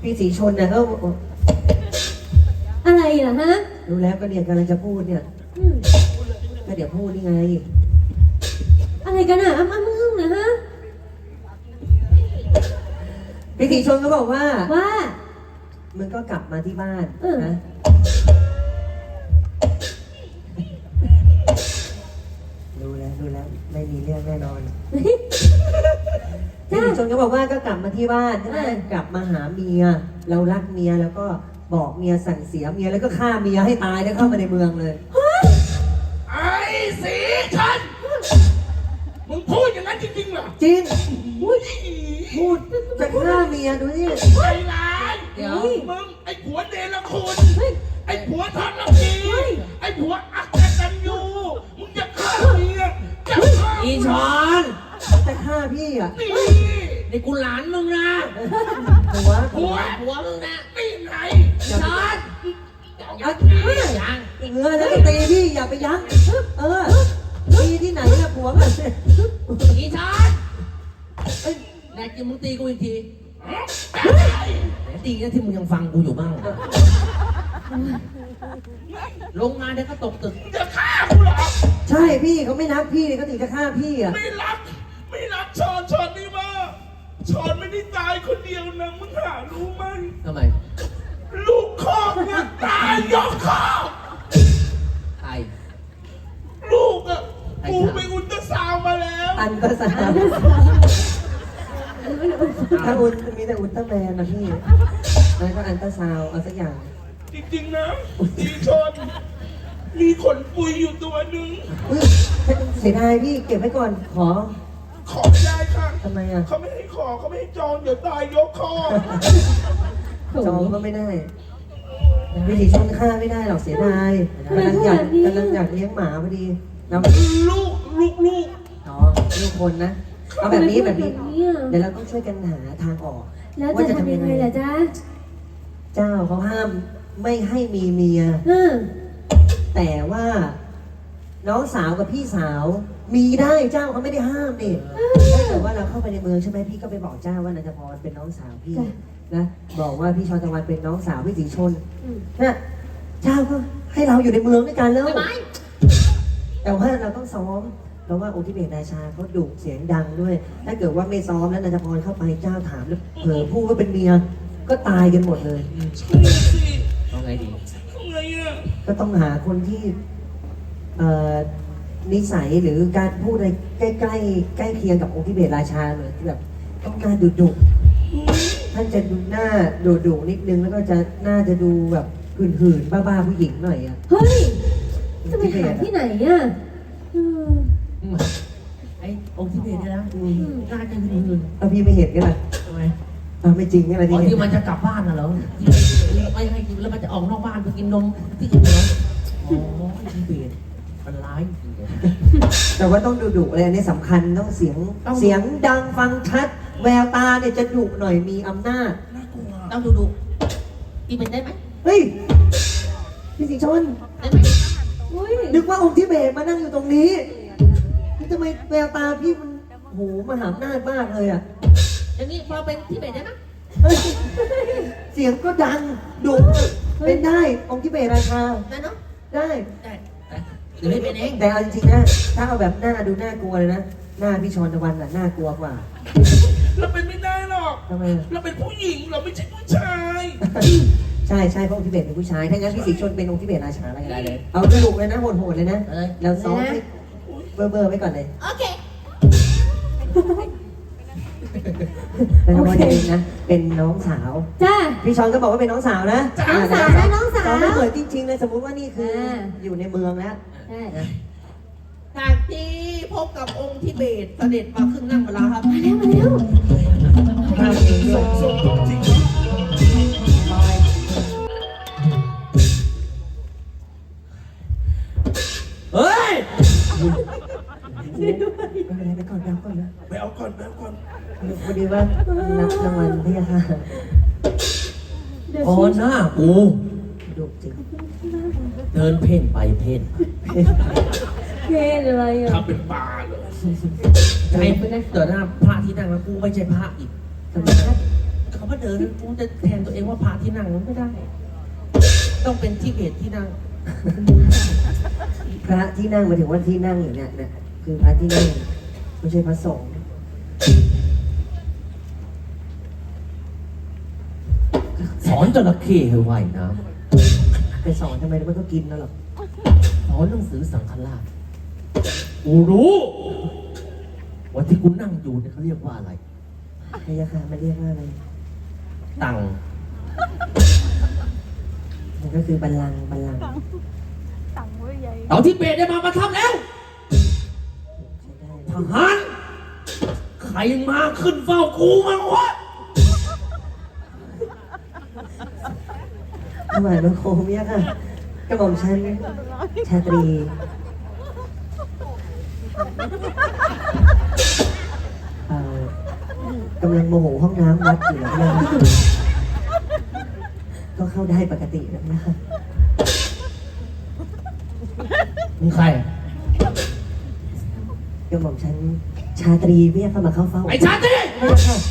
พี่สีชนนะก็อะไรเหรอฮะรู้แล้วก็เนี่ยกำลังจะพูดเนี่ยอืมก็เดี๋ยวพูดนี่ไงอะไรกันอ่ะอ้ำอึ้งนะฮะพี่สีชนก็บอกว่าว่ามึงก็กลับมาที่บ้านเออนะรู้แล้วไม่มีเรื่องแน่นอนพี่สีชนก็บอกว่าก็กลับมาที่บ้านใช่ไหมกลับมาหาเมียเรารักเมียแล้วก็บอกเมียสั่งเสียเมียแล้วก็ฆ่าเมียให้ตายแล้วเข้ามาในเมืองเลยไอ้สีชันมึงพูดอย่างนั้นจริงๆเหรอจริงพูดจะฆ่าเมียดูนี่ไอ้ร้ายเดี๋ยวมึงไอ้ผัวเดรคุณเฮ้ยไอ้ผัวทรพีเฮ้ยไอ้ผัวอักตันยูมึงจะฆ่าเมียจะฆ่าอีชอนจะฆ่าพี่อ่ะนี่นี่กูหลานมึงนะหัวผัวผัวมึงนะนี่ไงชอนยัดยังเงือแล้วก็ตีพี่อย่าไปยั้งเออตีที่ไหนอะผัวมันอีชอนเอ้ยแน่จริงมึงตีกูอีกทีไหนตีนะที่มึงยังฟังกูอยู่บ้างลงมาเดี๋ยวก็ตกตึกจะฆ่ากูเหรอใช่พี่เขาไม่รักพี่เลยเขาถึงจะฆ่าพี่อ่ะไม่รักชอนนี่มาชอนไม่ได้ตายคนเดียวนะมึงหารู้ไหมทำไมลูกคอกเนี่ยตายยกคอกใครลูกอ่ะใครกูถามไปอุลตราซาวด์มาแล้วอันก็สามถ้าอุลมีแต่อุลตร้าแมนนะพี่แล้วก็อันตราซาวด์เอาสักอย่างจริงๆนะดีชนมีขนปุยอยู่ตัวหนึ่งอุ๊ยเสียดายพี่เก็บไว้ก่อนขอขอไม่ได้ค่ะทำไมอ่ะเขาไม่ให้ขอเขาไม่ให้จองเดี๋ยวตายยกคอจองก็ไม่ได้พี่สีชนฆ่าไม่ได้หรอกเสียดายกำลังอยากเลี้ยงหมาพอดีเราลูกอ๋อลูกคนนะเอาแบบนี้แบบนี้เนี่ยเดี๋ยวเราต้องช่วยกันหาทางออกแล้วจะทำยังไงล่ะจ๊ะเจ้าเขาห้ามไม่ให้มีเมีย แต่ว่าน้องสาวกับพี่สาว มีได้เจ้าเขาไม่ได้ห้ามนี่ถ้าเกิดว่าเราเข้าไปในเมืองใช่ไหมพี่ก็ไปบอกเจ้าว่านันทพรเป็นน้องสาวพี่นะบอกว่าพี่ชอนตะวันเป็นน้องสาวพี่สีชนนะเจ้าก็ให้เราอยู่ในเมืองด้วยกันแล้วแต่ว่าเราต้องซ้อมเพราะว่าองค์ที่เบตราชาเขาดุเสียงดังด้วย ถ้าเกิดว่าไม่ซ้อมแล้วนันทพรเข้าไปเจ้าถามแล้วเผลอพูดว่าเป็นเมียก็ตายกันหมดเลยใช่สิเอาไงดีทำไงอ่ะก็ต้องหาคนที่นิสัยหรือการพูดอะไรใกล้เคียงกับองค์ที่เบตราชาเลยที่แบบต้องการดุท่านจะดูหน้าดุนิดนึงแล้วก็จะน่าจะดูแบบหื่นๆบ้าๆผู้หญิงหน่อยอ่ะเฮ้ย จะไปหาที่ไหนอ่ะเออไอ้องค์ที่เบสเนี่ยนะน่าจะหืนเอาพี่ไม่เห็นกันล่ะทำไมเอาไม่จริงกันอะไรอ๋อที่ที่มันจะกลับบ้านน่ะเหรอที่ไม่ให้กินแล้วมันจะออกนอกบ้านไปกินนมที่อื่นเหรออ๋อไอ้ที่เบสมันร้ายจริงๆแต่ว่าต้องดุอะไรอันนี้สำคัญต้องเสียงดังฟังชัด แววตาเนี่ยจะดุหน่อยมีอำนาจน่ากลัวต้องดูอีเป็นได้ไหมเฮ้ยพี่สิงห์ชนได้ไหมอุ้ยนึกว่าองค์ที่เบตมานั่งอยู่ตรงนี้นี่ทำไมแววตาพี่มันโหมหาอำนาจมากเลยอ่ะอย่างนี้พอเป็นที่เบสได้ไหมเฮ้ยเสียงก็ดังดุเป็นได้องค์ที่เบตราชาได้เนาะได้ได้หรือให้เป็นเองแต่เอาจริงๆนะถ้าเอาแบบหน้าดูน่ากลัวเลยนะหน้าพี่ชอนตะวันน่ะน่ากลัวกว่าเราเป็นไม่ได้หรอกทำไมอะเราเป็นผู้หญิงเราไม่ใช่ผู้ชายใช่เพราะองค์ทิเบตเป็นผู้ชายถ้างั้นพี่สีชนเป็นองค์ทิเบตราชาอะไรกันเลยเอาดุเลยนะโหดๆเลยนะเราซ้อมให้เบอร์ไว้ก่อนเลยโอเคแล้วก็จะเป็นนะเป็นน้องสาวจ้าพี่ชอนก็บอกว่าเป็นน้องสาวนะน้องสาวนะน้องสาวเราไม่เหมือนจริงๆเลยสมมุติว่านี่คืออยู่ในเมืองแล้วใช่จากที่พบกับองค์ที่เบสเสด็จมาขึ้นนั่งบนลาครับมาแล้วภาพเองด้วยส่งจริงเฮ้ยไม่เป็นไรไปก่อนนะก่อนนะไปเอาก่อนพอดีว่านับรางวัลพี่ค่ะเดี๋ยวอ๋อชี้หน้ากูดุจริงเดินเพ่นไปเพ่นเพลงอะไรอ่ะทำเป็นปลาเลยใครไม่ได้เกิดหน้าพระที่นั่งแล้วกูไม่ใช่พระอีกทำไมครับเขามาเดินกูจะแทนตัวเองว่าพาที่นั่งมันไม่ได้ ต้องเป็นที่เบสที่นั่งพระที่นั่งหมายถึงว่าที่นั่งอยู่เนี่ยคือพระที่นั่งไม่ใช่พระสงฆ์สอนจระเข้ให้ว่ายน้ไปสอนทำไมแล้วมันก็กินแล้วหรอกำสอนหนังสือสังฆราชกูรู้ว่าที่กูนั่งอยู่เนี่ยเขาเรียกว่าอะไรพยาค่ะมันเรียกว่าอะไรตังมันก็คือบัลลังก์เอาที่เบสได้มาประทับแล้วใช้ได้ทหารใครมาขึ้นเฝ้ากูมั้งวะถวายบังคมเนี่ยค่ะกระหม่อมฉันชาตรีกำลังโมโหห้องน้ำวัดอยู่นะก็เข้าได้ปกตินะคะมึงใครกระหม่อมฉันชาตรีเรียกเข้ามาเข้าเฝ้าไอ้ชาติไม่ใช่ค่ะ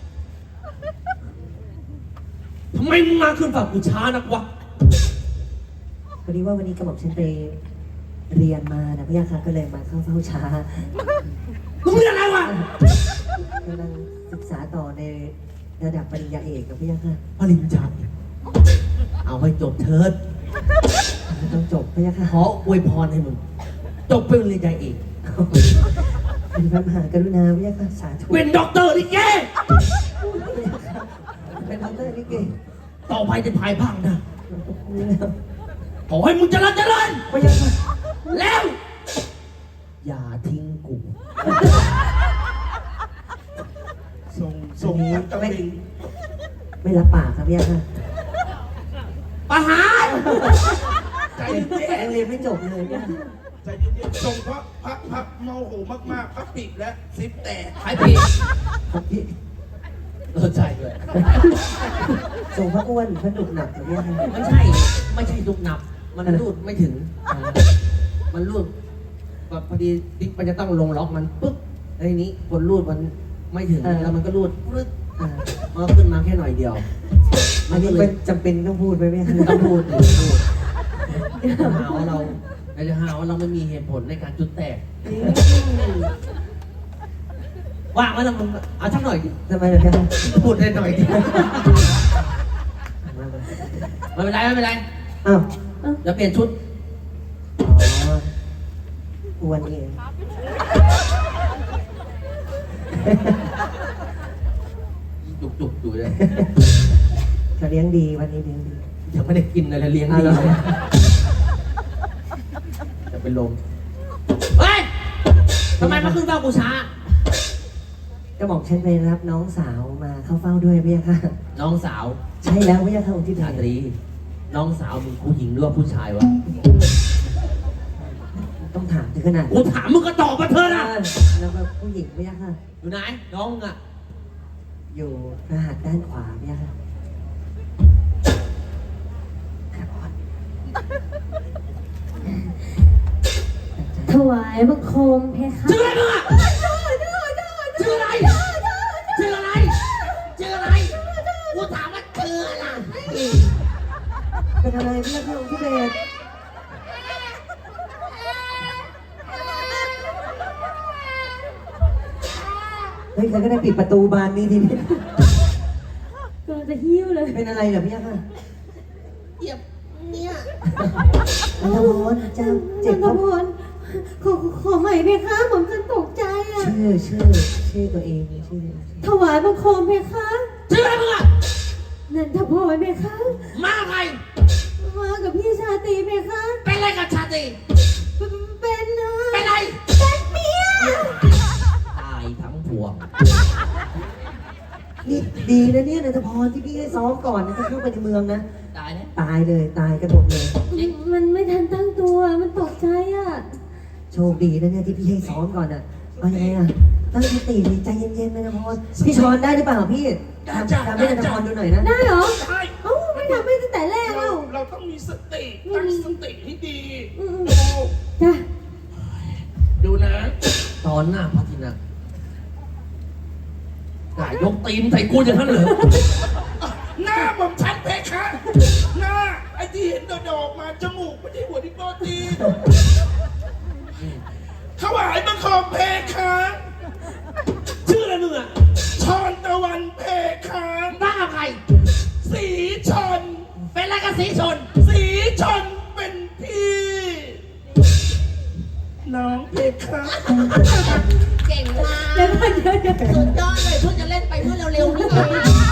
ทำไมมึงมาขึ้นเฝ้ากูช้านักวะพอดีว่าวันนี้กระหม่อมฉันไปเรียนมานะพี่ยาค่ะก็เลยมาเข้าเฝ้าช้ามึงเรียกอะไรวะกำลังศึกษาต่อในระดับปริญญาเอกกับพี่ยาค่ะปริญญาเอกเอาให้จบเถิดต้องจบพี่ยาค่ะขออวยพรให้มึง จบเป็นปริญญาเอกเป็นพระมหากรุณาพี่ยาค่ะสาธุเป็นด็อกเตอร์ลิเกเป็นดอกเตอร์ลิเกต่อไปจะภายภาคหน้านี่แล้วขอให้มึงเจริญเจริญพี่ยาค่ะแล้ว อย่าทิ้งกูส่งมันตะลิงไม่รับปากครับพี่ยาค่ะประหารใจเย็นยังเรียนไม่จบเลยเนี่ยๆใจเย็นๆส่งเพราะพระโมโหมากๆพระปิดและซิปแตกใครผิดครับพี่ใช่ด้วยส่งพระอ้วนพระดุกหนักครับพี่ยาค่ะไม่ใช่ลูกหนับ มันรูดไม่ถึง มันรูดแบบพอดีติ๊กมันจะต้องลงล็อกมันปุ๊บไอ้นี้คนรูดมันไม่ถึงแล้วมันก็รูดปึ๊บอ่ามันก็ขึ้นมาแค่หน่อยเดียวอันนี้เป็นจำเป็นต้องพูดไหมพี่ยาค่ะต้องพูดถึงพูดจะหาว่าเราจะหาว่าเราไม่มีเหตุผลในการจุดแตกว่างไว้แล้วมึงเอาสักหน่อยดิทำไมล่ะพี่ยาค่ะพูดได้หน่อยดิมาไม่เป็นไรไม่เป็นไรอ้าวเดี๋ยวเปลี่ยนชุดอ๋ออ้วนเองจุกอยู่เลยเขาเลี้ยงดีวันนี้เลี้ยงดียังไม่ได้กินเลยเลี้ยงดีเลยจะเป็นลมเฮ้ยทำไมมาขึ้นเฝ้ากูช้าก็บอกฉันไปรับน้องสาวมาเข้าเฝ้าด้วยพี่ยาค่ะน้องสาวใช่แล้วพี่ยาค่ะองค์ที่ชาตรี น้องสาวมึงผู้หญิงหรือว่าผู้ชายวะต้องถามถึงขนาดกูถามมึงก็ตอบมาเถอะนะแล้วก็ผู้หญิงพี่ยาค่ะอยู่ไหนน้องมึงอะอยู่พระหัตถ์ด้านขวาพี่ยาค่ะครับพ่อถวายบังคมเพคะชื่ออะไรมึงอะชื่ออะไรชื่ออะไรชื่ออะไรกูถามว่าชื่ออะไรเป็นอะไรพี่ยาค่ะองค์ที่เบสเฮ้ยใครก็ได้ปิดประตูบานนี้ทีนี้กำลังจะหิ้วเลยเป็นอะไรเหรอพี่ยาค่ะเหยียบเนี่ยอันธพลเจ้าเจ็บจัเพนทราะพลขอใหม่เพคะผมจะตกใจอ่ะชื่อตัวเองชื่อถวายบังคมเพคะชื่ออะไรมึงอะนันทพรเพคะมาใครมากับพี่ชาตรีเพคะเป็นอะไรกับชาตรีเป็นเป็นไรเป็นเมียตายทั้งพวงนี่ดีนะเนี่ยนันทพรที่พี่ให้ซ้อมก่อนนะถ้าเข้าไปในเมืองนะตายแล้วตายเลยตายกระโดดเลยมันไม่ทันตั้งตัวมันตกใจอ่ะโชคดีนะเนี่ยที่พี่ให้ซ้อมก่อนอ่ะเอายังไงอ่ะตั้งสติดีใจเย็นๆนันทพรพี่ชอนได้หรือเปล่าพี่ทำให้นันทพรดูหน่อยนะได้เหรอใช่เอ้าไม่ทำให้ตั้งแต่แรกเราเอ้าเราต้องมีสติตั้งสติให้ดีอืมดูจ้ะดูนะตอนหน้าพัทินักกายยกตีนใส่กูอย่างนั้นเหรอที่เห็นดอกๆมาจมูกไม่ใช่หัวที่โปรตีนถวายบังคมเพคะชื่ออะไรมึงอ่ะชอนตะวันเพคะบ้าใครสีชนเป็นอะไรกับสีชนสีชนเป็นพี่ น้องเพคะเก่งมากเดี๋ยวก่อนเดี๋ยวสุดยอดเลยเพิ่งจะเล่นไปเมื่อเร็วๆนี่เอง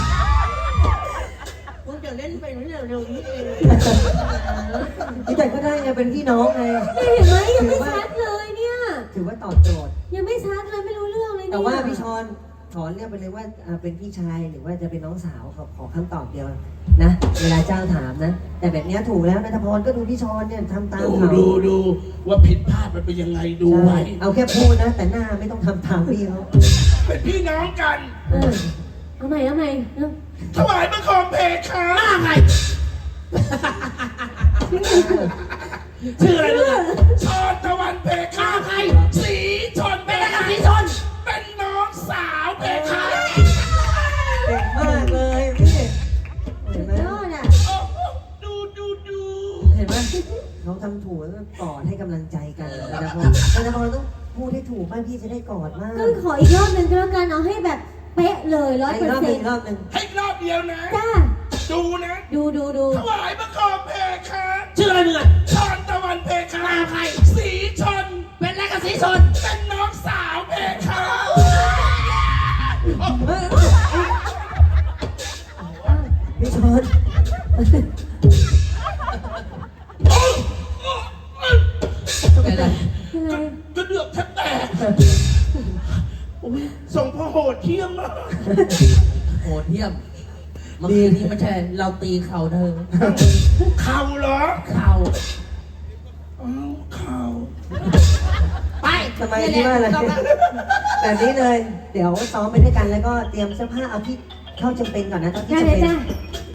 เพิ่งจะเล่นไปเมื่อเร็วๆนี่เองนี่แต่ก็ได้ไงเป็นพี่น้องไงเห็นไหมยังไม่ชัดเลยเนี่ยถือว่าตอบโจทย์ยังไม่ชัดเลยไม่รู้เรื่องเลยเนี่ยแต่ว่าพี่ชอนถอนเรียกไปเลยว่าเป็นพี่ชายหรือว่าจะเป็นน้องสาวขอคำตอบเดียวนะ เวลาเจ้าถามนะ แต่แบบเนี้ยถูกแล้วนัทพรก็ดูพี่ชอนเนี่ยทำตามเขาดูว่าผิดพลาดมันเป็นยังไงดูใช่ไว้เอาแค่พูดนะ แต่หน้าไม่ต้องทำตามพี่เขาเป็นพี่น้องกันเอาใหม่เอาใหม่เร็วถวายบังคมเพคะบ้าใคร ชื่ออะไรมึงอ่ะชอนตะวันเพคะใครสีชนเป็นอะไรกับสีชนเป็นน้องสาวเพคะเก่งมากเลยพี่เห็นไหมยอดอ่ะโอ้โหดูเห็นไหมเขาทำถูกแล้วก็กอดให้กำลังใจกันนัทพรต้องพูดให้ถูกบ้างพี่จะได้กอดมากก็ขออีกรอบหนึ่งก็แล้วกันเอาให้แบบเป๊ะเลย100% อีกรอบหนึ่งอีกรอบหนึ่งให้รอบเดียวนะจ้าดูนะดูถวายบังคมเพคะชื่ออะไรมึงอ่ะชอนตะวันเพคะใครสีชนเป็นอะไรกับสีชนเป็นน้องสาวเพคะพี่ชอนเป็นอะไรเป็นไรกระเดือกแทบแตกโอ้ยส่งพ่อโหดเที่ยงมากโหดเยี่ยมเมื่อกี้นี้ไม่ใช่เราตีเข่าเธอเข่าเหรอเข่าอ้าวเข่าไปทำไมที่ว่าอะไรแบบนี้เลย เดี๋ยวซ้อมไปด้วยกันแล้วก็เตรียมเสื้อผ้าเอาที่เข้าจำเป็นก่อนนะตอนที่ได้จำเลยเป็นจ้า